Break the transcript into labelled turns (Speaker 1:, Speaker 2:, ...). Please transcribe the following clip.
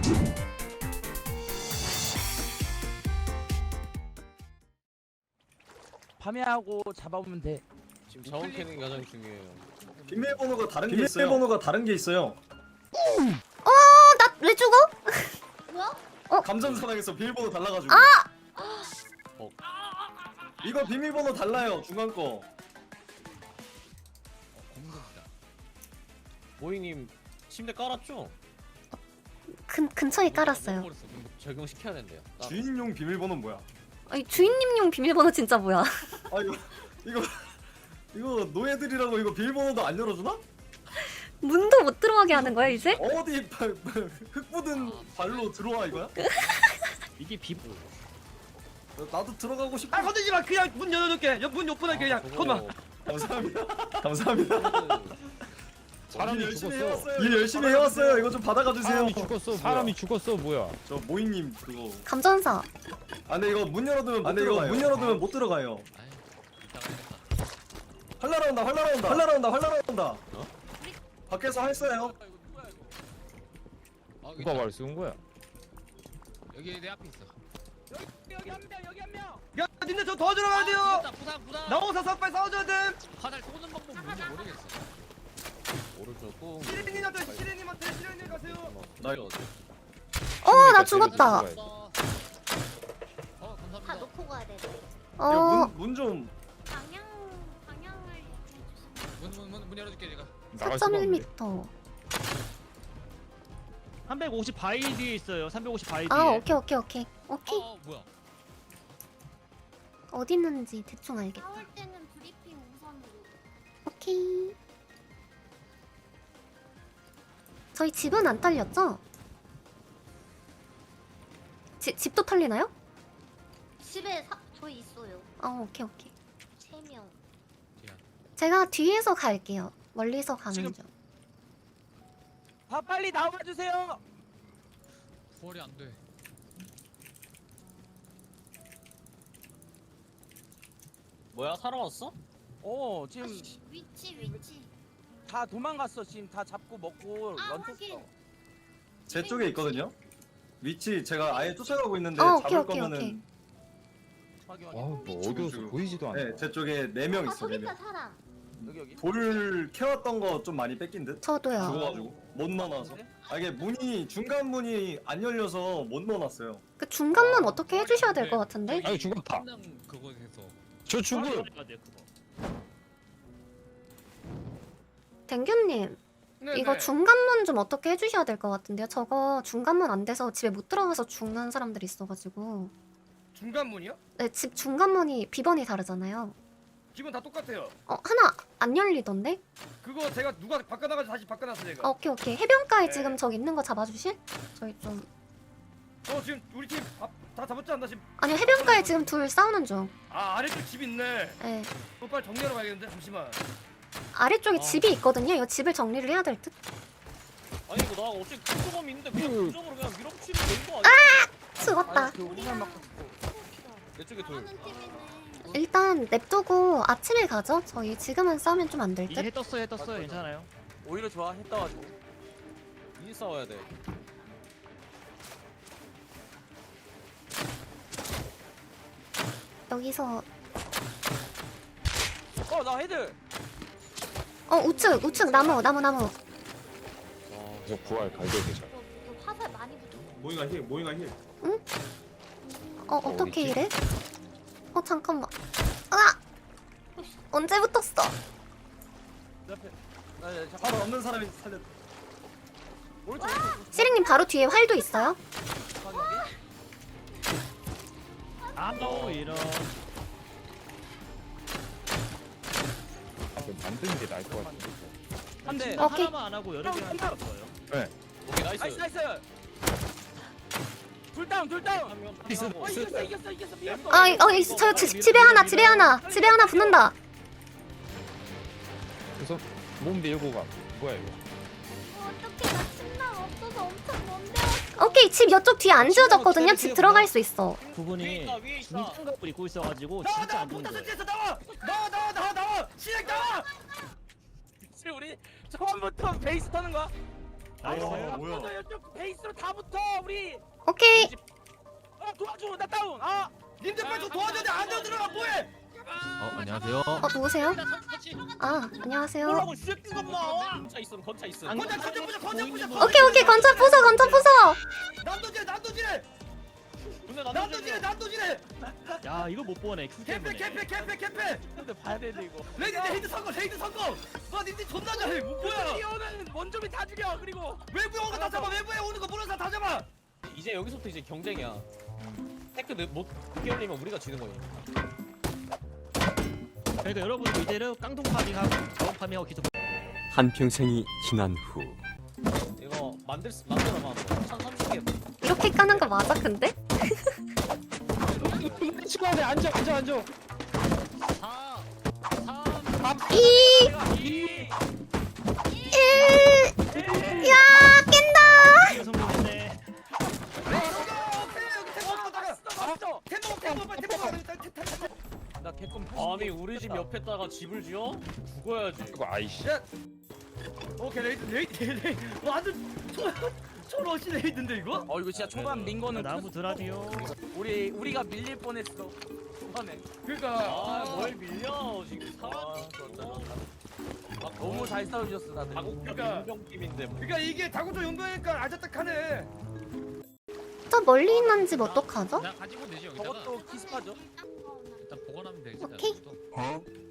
Speaker 1: 파밍하고 잡아보면 돼.
Speaker 2: 지금 자원 캐는 게 가장 중요해요.
Speaker 3: 비밀번호가 다른 게 있어요.
Speaker 4: 나 왜 죽어?
Speaker 5: 뭐야?
Speaker 3: 감전사랑에서 비밀번호 달라가지고. 이거 비밀번호 달라요 중간 거.
Speaker 2: 모잉님 침대 깔았죠?
Speaker 4: 근처에 깔았어요.
Speaker 2: 그럼 적용시켜야 된대요.
Speaker 3: 주인용 비밀번호 뭐야?
Speaker 4: 아니 주인님용 비밀번호 진짜 뭐야?
Speaker 3: 아 이거 노예들이라고 이거 비밀번호도 안 열어주나?
Speaker 4: 문도 못 들어가게 하는 거야 이제?
Speaker 3: 어디 흙 묻은 발로 들어와 이거야?
Speaker 1: 이게 비보.
Speaker 3: 나도 들어가고 싶어.
Speaker 6: 아 건들지 마. 그냥 문 열어줄게. 문 옆분에 그냥 건마.
Speaker 3: 감사합니다. 감사합니다.
Speaker 7: 사람이
Speaker 3: 일 열심히
Speaker 7: 죽었어.
Speaker 3: 해왔어요. 일 열심히 해왔어요. 이거 좀 받아가 주세요.
Speaker 7: 사람이 죽었어 뭐야?
Speaker 3: 저 모잉님 그거.
Speaker 4: 감전사.
Speaker 3: 아 근데 이거 문 열어두면 못 들어가요. 활 날아온다. 밖에서 활 쏘요.
Speaker 7: 누가 말 쏜 거야?
Speaker 2: 여기 내 앞에 있어.
Speaker 1: 여기 한 명.
Speaker 6: 야 니네 저 도와주러 가야 돼요.
Speaker 2: 부상.
Speaker 6: 나오서 빨리 싸워줘야 돼.
Speaker 2: 화살 쏘는 방법 뭔지 모르겠어. 오른쪽 꾹.
Speaker 6: 시리님한테 가세요.
Speaker 4: 나 죽었다.
Speaker 5: 다
Speaker 2: 감사합니다.
Speaker 5: 놓고 가야 돼.
Speaker 3: 문 좀.
Speaker 5: 방향을 해주세요.
Speaker 2: 문 열어줄게 제가.
Speaker 4: 4.1m.
Speaker 1: 350 바위 뒤에 있어요. 350 바위 뒤에.
Speaker 4: 아 오케이.
Speaker 2: 뭐야?
Speaker 4: 어디 있는지 대충 알겠다.
Speaker 5: 싸울 때는 브리핑 우선으로.
Speaker 4: 오케이. 저희 집은 안 털렸죠? 집도 털리나요?
Speaker 5: 집에 저희 있어요.
Speaker 4: 오케이.
Speaker 5: 3명.
Speaker 4: 제가 뒤에서 갈게요. 멀리서 가는
Speaker 1: 지금-
Speaker 4: 중.
Speaker 1: 빨리 나와 주세요.
Speaker 2: 부활이 안 돼. 뭐야 살아왔어?
Speaker 1: 지금
Speaker 5: 위치.
Speaker 1: 다 도망갔어. 지금 다 잡고 먹고 런쳤어.
Speaker 5: 확인.
Speaker 3: 제 쪽에 있거든요. 위치 제가 아예 쫓아가고 있는데
Speaker 4: 오케이.
Speaker 3: 잡을 거면은
Speaker 1: 확인.
Speaker 7: 뭐 어디서 보이지도 않아.
Speaker 3: 네, 제 쪽에 4명 있어.
Speaker 5: 저기
Speaker 3: 4명.
Speaker 5: 있다 사람.
Speaker 1: 여기.
Speaker 3: 돌 캐왔던 거 좀 많이 뺏긴 듯.
Speaker 4: 저도요.
Speaker 3: 죽어가지고 못 넣어놔서. 이게 중간 문이 안 열려서 못 넣어놨어요.
Speaker 4: 그 중간문 어떻게 해주셔야 될 것 같은데?
Speaker 7: 아니 죽었다.
Speaker 2: 그곳에서
Speaker 7: 저 죽을.
Speaker 4: 댕규님 이거 중간문 좀 어떻게 해주셔야 될 것 같은데요? 저거 중간문 안 돼서 집에 못 들어가서 죽는 사람들이 있어가지고.
Speaker 6: 중간문이요?
Speaker 4: 네, 집 중간문이 비번이 다르잖아요.
Speaker 6: 기본 다 똑같아요.
Speaker 4: 하나 안 열리던데?
Speaker 6: 그거 제가 누가 바꿔나가서 다시 바꿔놨어 제가.
Speaker 4: 오케이. 해변가에
Speaker 6: 네.
Speaker 4: 지금 저기 있는 거 잡아주실? 저희 좀.
Speaker 6: 지금 우리 팀 다 잡았지 않나 지금?
Speaker 4: 아니요, 해변가에 지금 둘 싸우는 중.
Speaker 6: 아래쪽 집 있네.
Speaker 4: 네.
Speaker 6: 그거 빨리 정리하러 가야겠는데 잠시만.
Speaker 4: 아래쪽에 집이 있거든요. 이거 집을 정리를 해야 될 듯?
Speaker 2: 아니 이거 나 어차피 근접함이 있는데 그냥 근접으로 그냥 밀어붙이면 되는 거 아니야?
Speaker 4: 죽었다.
Speaker 1: 그 우산 맞고 싶고.
Speaker 2: 내 쪽에 돌.
Speaker 5: 하는 팀이네.
Speaker 4: 일단 냅두고 아침에 가죠. 저희 지금은 싸우면 좀 안 될
Speaker 1: 이제
Speaker 4: 듯?
Speaker 1: 해 떴어요. 괜찮아요. 오히려 좋아. 해 떠가지고.
Speaker 2: 이 싸워야 돼.
Speaker 4: 여기서
Speaker 1: 나 헤드.
Speaker 4: 우측 나무.
Speaker 7: 저 부활 갈겨야 잘.
Speaker 5: 이거 화살 많이 붙어.
Speaker 3: 모잉아 힐.
Speaker 4: 어떻게
Speaker 7: 어딨지?
Speaker 4: 이래? 잠깐만. 언제 붙었어?
Speaker 1: 옆에.
Speaker 3: 바로 없는 사람이 살렸.
Speaker 1: 오른쪽.
Speaker 4: 시링님 바로 뒤에 활도 있어요?
Speaker 1: 이런.
Speaker 7: 그럼 만드는 게 나을 것 같은데.
Speaker 1: 한 대.
Speaker 4: 오케이.
Speaker 1: 하나만 안 하고 여러 개 하는 거예요.
Speaker 2: 오케이 나이스.
Speaker 1: 나이스. 둘 다운.
Speaker 7: 있어.
Speaker 1: 이겼어.
Speaker 4: 저 집에 하나 붙는다.
Speaker 7: 그래서 몸 밀고 가. 뭐야 이거?
Speaker 5: 어떻게 나 침낭 없어서 엄청 먼데.
Speaker 4: 오케이, 집 이쪽 뒤에 안 지어졌거든요. 집 들어갈 수 있어.
Speaker 1: 그분이
Speaker 2: 위에 있다.
Speaker 1: 중장갑을 입고 있어가지고
Speaker 6: 나와
Speaker 1: 진짜 안 좋은
Speaker 6: 포탑
Speaker 1: 거예요.
Speaker 6: 설치해서 나와. 시작 나와.
Speaker 1: 우리 처음부터 베이스 터는 거야? 아니
Speaker 3: 뭐야.
Speaker 1: 뭐야? 이쪽 베이스로 다 붙어 우리.
Speaker 4: 오케이.
Speaker 1: 도와줘 나 다운. 아
Speaker 6: 님들 빨리 좀 도와줘야 돼. 안으로 들어가 뭐해?
Speaker 8: 안녕하세요.
Speaker 4: 누구세요? 아, 안녕하세요.
Speaker 2: 뭐라고 슈팅가 봐. 건차 있음 건차 있음.
Speaker 6: 건자 부셔.
Speaker 4: 오케이, 건차 부숴.
Speaker 6: 난도질해.
Speaker 2: 근데
Speaker 6: 난도질해.
Speaker 8: 야 이거 못 보네. 큐 때문에.
Speaker 6: 캠페.
Speaker 1: 근데 봐야 되는데 이거.
Speaker 6: 레이드 성공. 와 님들 존나 잘해. 뭐야?
Speaker 1: 뛰어오는 원점이 다 죽여 그리고.
Speaker 6: 외부에 오는 거 다 잡아. 외부에 오는 거 모르는 사람 다 잡아.
Speaker 2: 이제 여기서부터 이제 경쟁이야. 테크 못 깨울리면 우리가 지는 거야.
Speaker 8: 그러니까 여러분 이제는 깡통 파밍하고 자원 파밍하고 계속.
Speaker 9: 한평생이 지난 후
Speaker 2: 이거 만들어봐. 1030개.
Speaker 4: 이렇게 까는 거 맞아, 근데?
Speaker 7: 치과에 앉아.
Speaker 8: 4 3
Speaker 4: 2 1. 야, 깬다.
Speaker 8: 성공했네.
Speaker 1: 나 개껌.
Speaker 2: 아니 우리 집 옆에다가 집을 지어? 죽어야지.
Speaker 7: 이거 아이씨.
Speaker 6: 오케이 레이드. 완전 초러시 레이드인데 이거?
Speaker 1: 이거 진짜 초반 민 거는
Speaker 8: 나무 드라디오.
Speaker 1: 우리가 밀릴 뻔했어. 초반에.
Speaker 6: 그러니까
Speaker 2: 뭘 밀려 지금 사람.
Speaker 1: 너무 잘 싸우셨어 다들.
Speaker 6: 그러니까.
Speaker 2: 용병팀인데 뭐.
Speaker 6: 그러니까 이게 다구조 용병이니까 아자딱하네.
Speaker 4: 저 멀리 있는 집 어떡하죠?
Speaker 8: 나 가지고 되지 여기다가.
Speaker 1: 저것도 키스파죠.
Speaker 8: 일단 보관하면 되지.
Speaker 4: 오케이.
Speaker 9: 어?